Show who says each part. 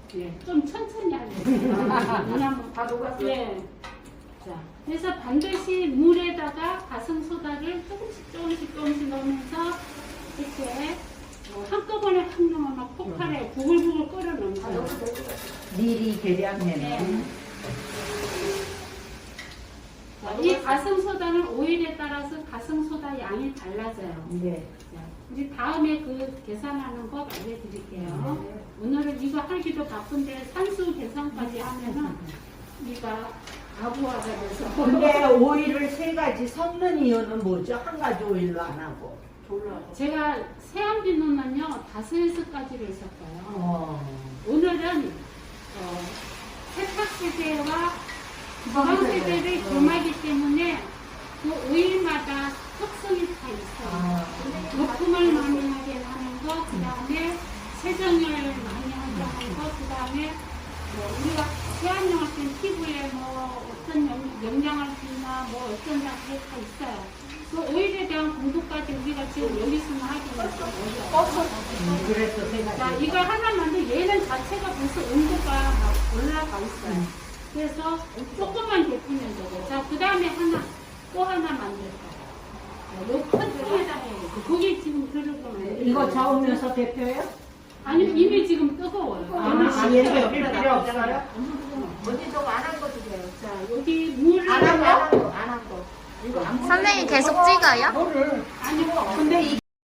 Speaker 1: 예, 좀 천천히 하겠습니다. 왜냐면
Speaker 2: 다 녹았어요.
Speaker 1: 예. 자, 그래서 반드시 물에다가 가성소다를 조금씩 넣으면서 이렇게 한꺼번에 확 넣으면 막 폭발해 부글부글 끓여 넣는 거예요.
Speaker 3: 미리 계량해놓은.
Speaker 1: 네. 자, 이 가성소다는 오일에 따라서 가성소다 양이 달라져요.
Speaker 3: 네.
Speaker 1: 자, 이제 다음에 그 계산하는 법 알려드릴게요. 오늘은 이거 하기도 바쁜데 산수 계산까지 하면은 우리가 아부하가 돼서.
Speaker 3: 근데 오일을 세 가지 섞는 이유는 뭐죠? 한 가지 오일로 안 하고.
Speaker 1: 제가 세안 비누는요 5~6가지를 섞어요. 오늘은 세탁세제와 주방세제를 겸하기 때문에 그 오일마다 특성이 다 있어요. 거품을 많이 하게 하는 거, 그 다음에 세정을 많이 하게 하는 거, 그 다음에 우리가 세안용할 때는 피부에 뭐 어떤 영양을 주나 뭐 어떤 장치가 다 있어요. 그 오일에 대한 공부까지 우리가 지금 여기서만 하기는 어려워요.
Speaker 3: 그래서 세 가지.
Speaker 1: 자, 이거 하나 만들 얘는 자체가 벌써 온도가 막 올라가 있어요. 그래서 조금만 데피면 되고, 자, 그 다음에 또 하나 만들 거예요. 요 큰 통에다 해요. 거기 지금 들어가면
Speaker 3: 이거 저으면서 데펴요?
Speaker 1: 아니, 이미 지금 뜨거워요.
Speaker 3: 얘는 데필 필요 없어요?
Speaker 2: 언니 저거 안 한 거 주세요.
Speaker 1: 자, 여기 물을
Speaker 2: 안 한 거. 이거 안
Speaker 4: 선생님 계속 찍어요?
Speaker 3: 근데 이게